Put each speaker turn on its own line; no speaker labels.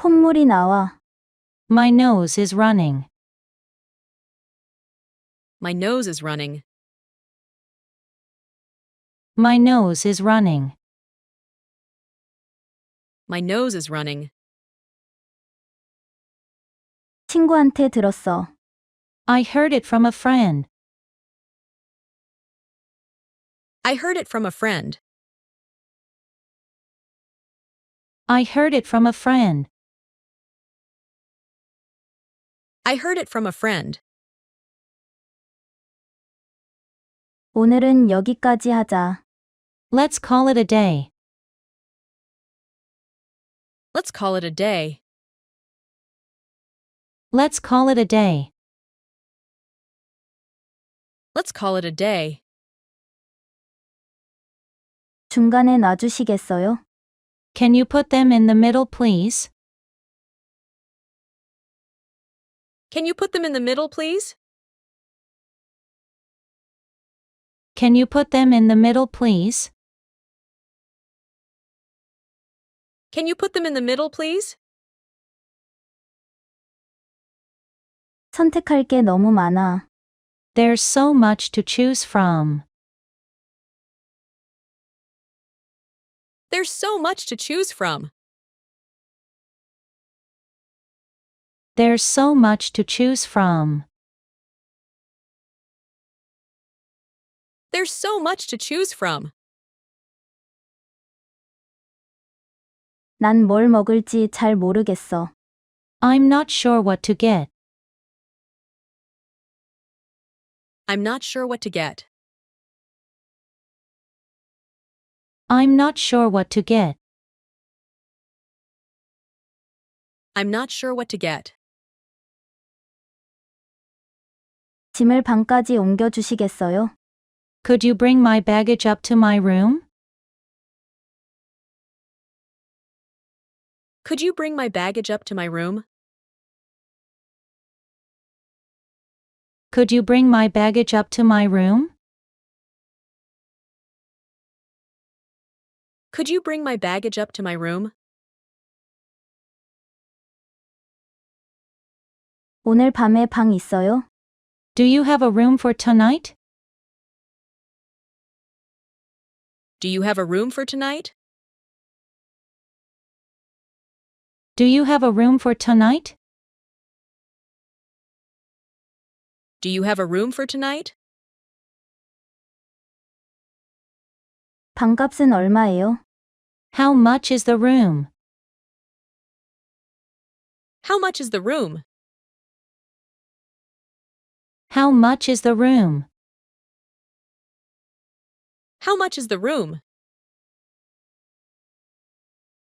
콧물이 나와.
My nose is running.
My nose is running.
My nose is running.
My nose is running.
친구한테 들었어.
I heard it from a friend.
I heard it from a friend.
I heard it from a friend.
I heard it from a friend.
오늘은 여기까지 하자.
Let's call it a day.
Let's call it a day.
Let's call it a day.
Let's call it a day.
중간에 놔주시겠어요?
Can you put them in the middle, please?
Can you put them in the middle, please?
Can you put them in the middle, please?
Can you put them in the middle, please?
선택할 게 너무 많아.
There's so much to choose from.
There's so much to choose from.
There's so much to choose from.
There's so much to choose from.
난 뭘 먹을지 잘 모르겠어.
I'm not sure what to get.
I'm not sure what to get.
I'm not sure what to get.
I'm not sure what to get.
짐을 방까지 옮겨주시겠어요?
Could you bring my baggage up to my room?
Could you bring my baggage up to my room?
Could you bring my baggage up to my room?
Could you bring my baggage up to my room?
오늘 밤에 방 있어요?
Do you have a room for tonight?
Do you have a room for tonight?
Do you have a room for tonight?
Do you have a room for tonight?
방값은 얼마예요?
How much is the room?
How much is the room?
How much is the room?
How much is the room?